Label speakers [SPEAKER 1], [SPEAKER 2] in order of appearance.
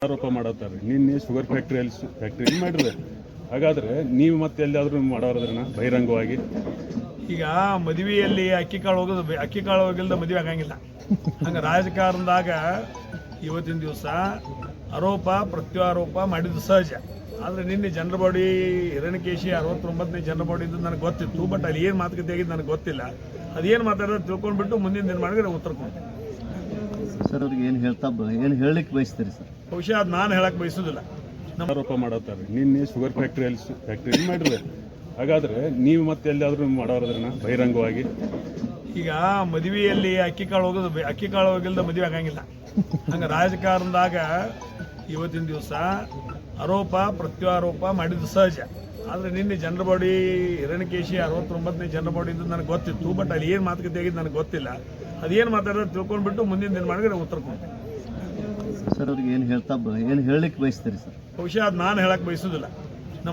[SPEAKER 1] ಆರೋಪ ಮಾಡತ್ತಾರೆ. ನಿನ್ನೆ sugar factory ಮಾಡಿದ್ರೆ ಹಾಗಾದ್ರೆ ನೀವು ಮತ್ತೆ ಎಲ್ಲಾದ್ರೂ ಮಾಡೋರದ್ರನ್ನ ಬಹಿರಂಗವಾಗಿ
[SPEAKER 2] ಈಗ ಮದುವೆಯಲ್ಲಿ ಅಕ್ಕಿ ಕಾಳು ಹೋಗಿಲ್ದ ಮದುವೆ ಆಗಂಗಿಲ್ಲ. ಹಂಗೆ ರಾಜಕಾರಣದಾಗ ಇವತ್ತಿನ ದಿವಸ ಆರೋಪ ಪ್ರತ್ಯಾರೋಪ ಮಾಡಿದ್ದು ಸಹಜ. ಆದರೆ ನಿನ್ನೆ ಜನರ ಬಾಡಿ ಹಿರಣ್ಯಕೇಶಿ 69ನೇ ಜನರ ಬಾಡಿ ಇದ್ದು ನನಗೆ ಗೊತ್ತಿತ್ತು. ಬಟ್ ಅಲ್ಲಿ ಏನು ಮಾತುಕತೆ ಆಗಿದ್ದು ನನಗೆ ಗೊತ್ತಿಲ್ಲ. ಅದೇನು ಮಾತಾಡೋದು ತಿಳ್ಕೊಂಡ್ಬಿಟ್ಟು ಮುಂದಿನ ದಿನ ಮಾಡಿದ್ರೆ ಉತ್ತರ ಕೊಡ್ತೀನಿ
[SPEAKER 3] ಸರ್. ಅವ್ರಿಗೆ ಏನು ಹೇಳಲಿಕ್ಕೆ ಬಯಸ್ತೀರಿ ಸರ್?
[SPEAKER 2] ಬಹುಶಃ ಅದು ನಾನು ಹೇಳಕ್ಕೆ ಬಯಸೋದಿಲ್ಲ.
[SPEAKER 1] ಆರೋಪ ಮಾಡತ್ತಾರೆ. ನಿನ್ನೆ ಶುಗರ್ ಫ್ಯಾಕ್ಟ್ರಿ ಮಾಡಿದ್ರೆ ಹಾಗಾದ್ರೆ ನೀವು ಮತ್ತೆ ಎಲ್ಲಾದ್ರೂ ಮಾಡೋರದ್ರನ್ನ ಬಹಿರಂಗವಾಗಿ
[SPEAKER 2] ಈಗ ಮದುವೆಯಲ್ಲಿ ಅಕ್ಕಿ ಕಾಳು ಹೋಗಿಲ್ದ ಮದುವೆ ಆಗಂಗಿಲ್ಲ. ಹಂಗೆ ರಾಜಕಾರಣದಾಗ ಇವತ್ತಿನ ದಿವಸ ಆರೋಪ ಪ್ರತ್ಯಾರೋಪ ಮಾಡಿದ್ದು ಸಹಜ. ಆದರೆ ನಿನ್ನೆ ಜನರ ಬಾಡಿ ಹಿರಣ್ಯಕೇಶಿ 69ನೇ ಜನರ ಬಾಡಿ ಇದ್ದು ನನಗೆ ಗೊತ್ತಿತ್ತು. ಬಟ್ ಅಲ್ಲಿ ಏನು ಮಾತುಕತೆ ಆಗಿದ್ದು ನನಗೆ ಗೊತ್ತಿಲ್ಲ. ಅದೇನು ಮಾತಾಡೋದು ತಿಳ್ಕೊಂಡ್ಬಿಟ್ಟು ಮುಂದಿನ ದಿನ ಮಾಡಿದ್ರೆ ಉತ್ತರ ಕೊಡ್ತೀನಿ
[SPEAKER 3] ಸರ್. ಅವ್ರಿಗೆ ಏನು ಹೇಳಲಿಕ್ಕೆ ಬಯಸ್ತೀರಿ ಸರ್?
[SPEAKER 2] ಬಹುಶಃ ಅದು ನಾನು ಹೇಳಕ್ಕೆ ಬಯಸೋದಿಲ್ಲ.